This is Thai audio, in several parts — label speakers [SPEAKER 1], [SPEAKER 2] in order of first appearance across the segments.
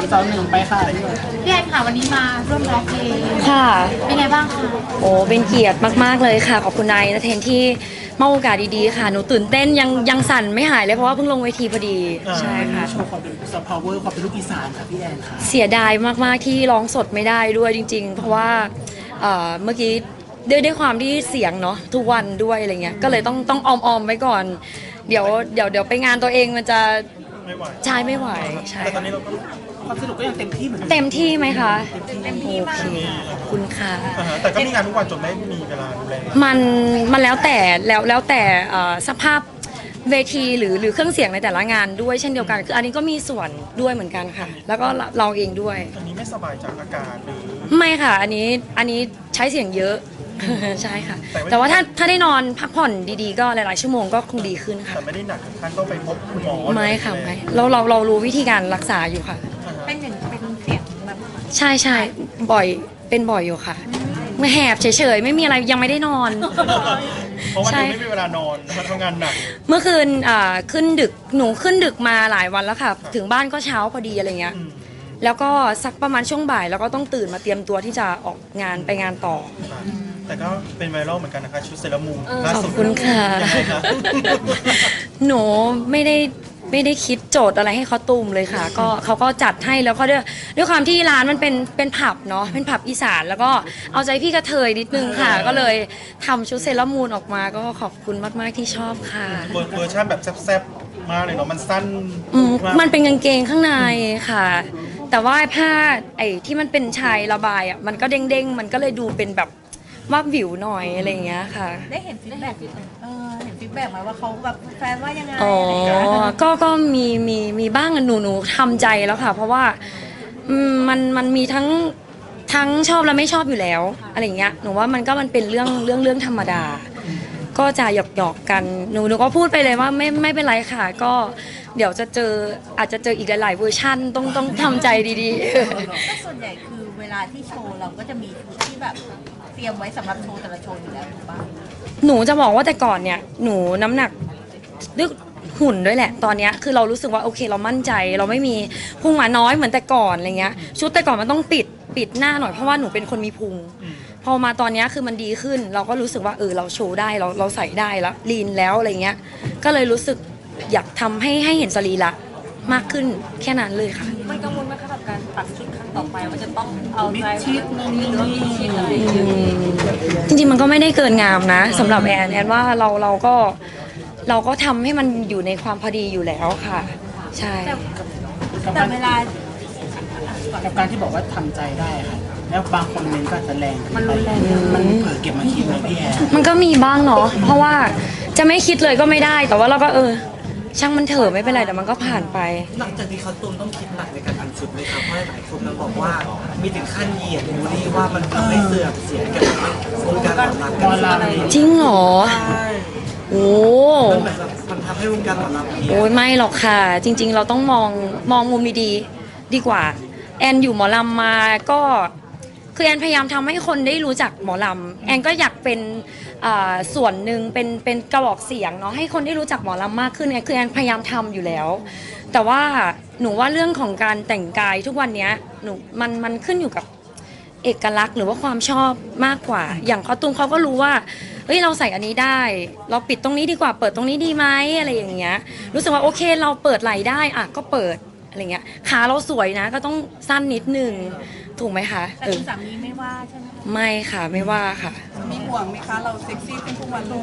[SPEAKER 1] 3 2 1ไปค่ะ
[SPEAKER 2] พี่แอนค่ะวันนี้มาร่วมร้องเพลง
[SPEAKER 3] ค่ะ
[SPEAKER 2] เป็นไงบ้างคะ
[SPEAKER 3] โอ้เป็นเกียรติมากๆเลยค่ะขอบคุณนายนะเทนที่มอบโอกาสดีๆค่ะหนูตื่นเต้นยังสั่นไม่หายเลยเพราะว่าเพิ่งลงเวทีพอดีใช่ค่ะ
[SPEAKER 1] โชว์ความเป็นซอฟต์พาวเวอร์ความเป็นลูกอีสานค่ะพี่แอนค่ะ
[SPEAKER 3] เสียดายมากๆที่ร้องสดไม่ได้ด้วยจริงๆเพราะว่าเมื่อกี้ด้วยความที่เสียงเนาะทุกวันด้วยอะไรเงี้ยก็เลยต้องออมไว้ก่อนเดี๋ยวไปงานตัวเองมันจะ
[SPEAKER 1] ไม่ไหว
[SPEAKER 3] ใช่ไม่ไหวใช่
[SPEAKER 1] แต่ตอนนี้เราก็ความสนุกก็ยังเต็มที่เหมือนเดิม
[SPEAKER 3] เต็มที่ไหมคะ
[SPEAKER 2] เต็มที่มาก
[SPEAKER 3] ขอบคุณค่ะ
[SPEAKER 1] แต่ก็มีงานทุกวันจนไม่มีเวลาดูแล
[SPEAKER 3] มันแล้วแต่สภาพเวทีหรือเครื่องเสียงในแต่ละงานด้วยเช่นเดียวกันคืออันนี้ก็มีส่วนด้วยเหมือนกันค่ะแล้วก็เราเองด้วย
[SPEAKER 1] อันนี้ไม่สบายจากอากาศหรือ
[SPEAKER 3] ไม่ค่ะอันนี้ใช้เสียงเยอะใช่ค่ะแต่ว่าถ้าได้นอนพักผ่อนดีๆก็หลายๆชั่วโมงก็คงดีขึ้นค่ะ
[SPEAKER 1] แต่ไม่ได้หนักถึงขั้นต้องไปพบคุณหมอ
[SPEAKER 3] ไม่ค่ะไม่เรารู้วิธีการรักษาอยู่ค่ะ
[SPEAKER 2] เป็นเสียงแบบ
[SPEAKER 3] ใช่เป็นบ่อยอยู่ค่ะไม่แหบเฉยๆไม่มีอะไรยังไม่ได้นอน
[SPEAKER 1] เพราะว่าไม่มีเวลานอนมาทำงานหนัก
[SPEAKER 3] เมื่อคืนขึ้นดึกหนูขึ้นดึกมาหลายวันแล้วค่ะถึงบ้านก็เช้าพอดีอะไรเงี้ยแล้วก็สักประมาณช่วงบ่ายแล้วก็ต้องตื่นมาเตรียมตัวที่จะออกงานไปงานต่อ
[SPEAKER 1] แต่ก็เป็นไวรัลเหมือนกันนะคะชุดเซรามูน
[SPEAKER 3] ขอบคุณค่ะหนูไม่ได้คิดโจทย์อะไรให้เขาตูมเลยค่ะก็เขาก็จัดให้แล้วก็ด้วยความที่ร้านมันเป็นผับเนาะเป็นผับอีสานแล้วก็เอาใจพี่กระเทยนิดนึงค่ะก็เลยทำชุดเซรามูนออกมาก็ขอบคุณมากๆที่ชอบค่ะ
[SPEAKER 1] เวอร์ชันแบบแซ่บๆมากเลยเนาะมันสั้น
[SPEAKER 3] มันเป็นกางเกงข้างในค่ะแต่ว่าผ้าไอ้ที่มันเป็นชายระบายอ่ะมันก็เด้งๆมันก็เลยดูเป็นแบบว่าวิวหน่อยอะไรอย่างเงี้ยค่ะ
[SPEAKER 2] ได้เห็นฟีดแบ็กเห็นฟีดแบ็กไหมว่าเขาแบบแฟนว่ายังไง
[SPEAKER 3] ก็มีบ้างหนูทำใจแล้วค่ะเพราะว่ามันมีทั้งชอบและไม่ชอบอยู่แล้วอะไรเงี้ยหนูว่ามันเป็นเรื่องธรรมดาก็จะหยอกกันหนูก็พูดไปเลยว่าไม่เป็นไรค่ะก็เดี๋ยวอาจจะเจออีกหลายๆเวอร์ชันต้องทำใจดี
[SPEAKER 2] ๆก็ส่วนใหญ่คือเวลาที่โชว์เราก็จะมีชุดที่แบบเตรียมไว้สำหรับโชว์แต่ละโชว์อยู่แล้วถูกปะ
[SPEAKER 3] หนูจะบอกว่าแต่ก่อนเนี่ยหนูน้ำหนักด้วยหุ่นด้วยแหละตอนนี้คือเรารู้สึกว่าโอเคเรามั่นใจเราไม่มีพุงหมาน้อยเหมือนแต่ก่อนอะไรเงี้ยชุดแต่ก่อนมันต้องปิดหน้าหน่อยเพราะว่าหนูเป็นคนมีพุงพอมาตอนนี้คือมันดีขึ้นเราก็รู้สึกว่าเราโชว์ได้เราใส่ได้แล้วลีนแล้วอะไรเงี้ยก็เลยรู้สึกอยากทำให้เห็นสรีระมากขึ้นแค่นั้นเลยค่ะ
[SPEAKER 2] มันกังวลไหมคะกับการตัดชุดครั้งต่อไปว่าจะต้องเอาใจชิดนี้หรือมีชิดอะไร
[SPEAKER 3] จริงๆมันก็ไม่ได้เกินงามนะสำหรับแอนว่าเราก็ทำให้มันอยู่ในความพอดีอยู่แล้วค่ะใช่
[SPEAKER 2] แต่เวลา
[SPEAKER 1] กับการที่บอกว่าทำใจได้ค่ะแล้วบางคนเมนก็จะแรงมันรุนแรงมันเผลอเก็บมาคิดเลยพี่แอน
[SPEAKER 3] มันก็มีบ้างเนาะเพราะว่าจะไม่คิดเลยก็ไม่ได้แต่ว่าเราก็ช่างมันเถอะไม่เป็นไรแต่มันก็ผ่านไป
[SPEAKER 4] หลังจากที่เขาตูมต้องคิดหนักในการอันชุดไหมครับเพราะหลายคนมันบอกว่ามีถึงขั้นเหยียดบูลลี่ว่ามันทำให้เสื่อมเสียกับวงการหมอลำ
[SPEAKER 3] จริงเหรอโอ้
[SPEAKER 4] มันทำให้วงการหมอลำ
[SPEAKER 3] โอ้ยไม่หรอกค่ะจริงๆเราต้องมองมุมดีกว่าแอนอยู่หมอลำมาก็คือแอนพยายามทำให้คนได้รู้จักหมอลำแอนก็อยากเป็นส่วนหนึ่งเป็นกระบอกเสียงเนาะให้คนได้รู้จักหมอลำมากขึ้นเนี่ยคือแอนพยายามทำอยู่แล้วแต่ว่าหนูว่าเรื่องของการแต่งกายทุกวันนี้มันขึ้นอยู่กับเอกลักษณ์หรือว่าความชอบมากกว่าอย่างคอตูมเขาก็รู้ว่าเฮ้ยเราใส่อันนี้ได้เราปิดตรงนี้ดีกว่าเปิดตรงนี้ดีไหมอะไรอย่างเงี้ยรู้สึกว่าโอเคเราเปิดไหล่ได้ก็เปิดอะไรเงี้ยขาเราสวยนะก็ต้องสั้นนิดนึงถูกไหมคะ
[SPEAKER 2] แต่คุณสามีไม่ว่าใช่ไหม
[SPEAKER 3] ไม่ค่ะไม่ว่าค่ะ
[SPEAKER 2] มีห่วงไหมคะเราเซ็กซี่เป็นทุกวัน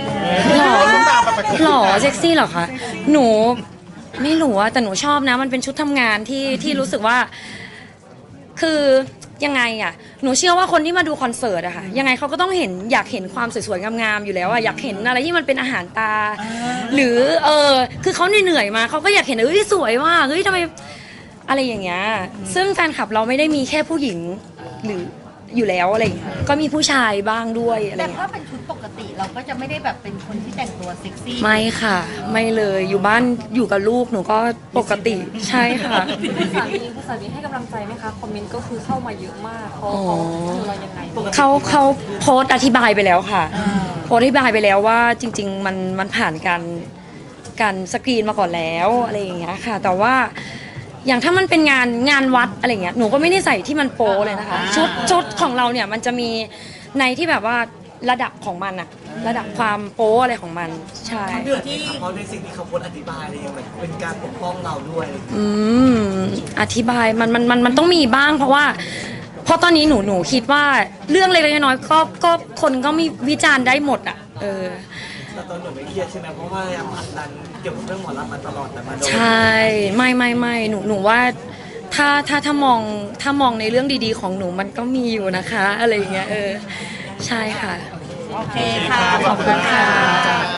[SPEAKER 3] หล่อเซ็กซี่หรอคะหนูไม่รู้แต่หนูชอบนะมันเป็นชุดทำงานที่รู้สึกว่าคือยังไงหนูเชื่อว่าคนที่มาดูคอนเสิร์ตอะค่ะยังไงเขาก็ต้องอยากเห็นความสวยๆงามๆอยู่แล้วอยากเห็นอะไรที่มันเป็นอาหารตาหรือคือเขาเหนื่อยมาเขาก็อยากเห็นสวยมากทำไมอะไรอย่างเงี้ยซึ่งแฟนคลับเราไม่ได้มีแค่ผู้หญิงหรืออยู่แล้วอะไรอย่างเงี้ยก็มีผู้ชายบ้างด้วยอะไร
[SPEAKER 2] แต่ถ้าเป็นชุดปกติเราก็จะไม่ได้แบบเป็นคนที่แต่งตัวเซ็กซี่
[SPEAKER 3] ไม่ค่ะไม่เลยอยู่บ้านอยู่กับลูกหนูก็ปกติใช่ค่ะ
[SPEAKER 2] คุณสามีให้กำลังใจไหมคะคอมเมนต์ก็คือเข้ามาเยอะมากเขาคือเรายังไง
[SPEAKER 3] เขาโพสต์อธิบายไปแล้วค่ะโพสต์อธิบายไปแล้วว่าจริงๆมันผ่านการสกรีนมาก่อนแล้วอะไรอย่างเงี้ยค่ะแต่ว่าอย่างถ้ามันเป็นงานวัดอะไรเงี้ยหนูก็ไม่ได้ใส่ที่มันโป๊เลยนะคะชุดของเราเนี่ยมันจะมีในที่แบบว่าระดับของมันอะระดับความโป๊อะไรของมันใช่
[SPEAKER 4] เดือดที่เพราะในสิ่งที่เขาพูดอธิบายอะไรอย่างเงี้ยเป็นการปกป้องเราด้วย
[SPEAKER 3] อธิบายมันต้องมีบ้างเพราะตอนนี้หนูคิดว่าเรื่องเล็กๆน้อยๆก็คนก็มีวิจารณ์ได้หมดอ่ะ
[SPEAKER 4] แต่ตอนหนูไม่เครียดใช่ไหมเพราะว่าพยายามผลักดันเกี่ยวกับเรื่องหมอลำมาตลอดแต่มาโดน
[SPEAKER 3] ใช่ไม่หนูว่าถ้ามองในเรื่องดีๆของหนูมันก็มีอยู่นะคะอะไรอย่างเงี้ยใช่ค่ะ
[SPEAKER 2] โอเคค่ะ ขอบคุณค่ะ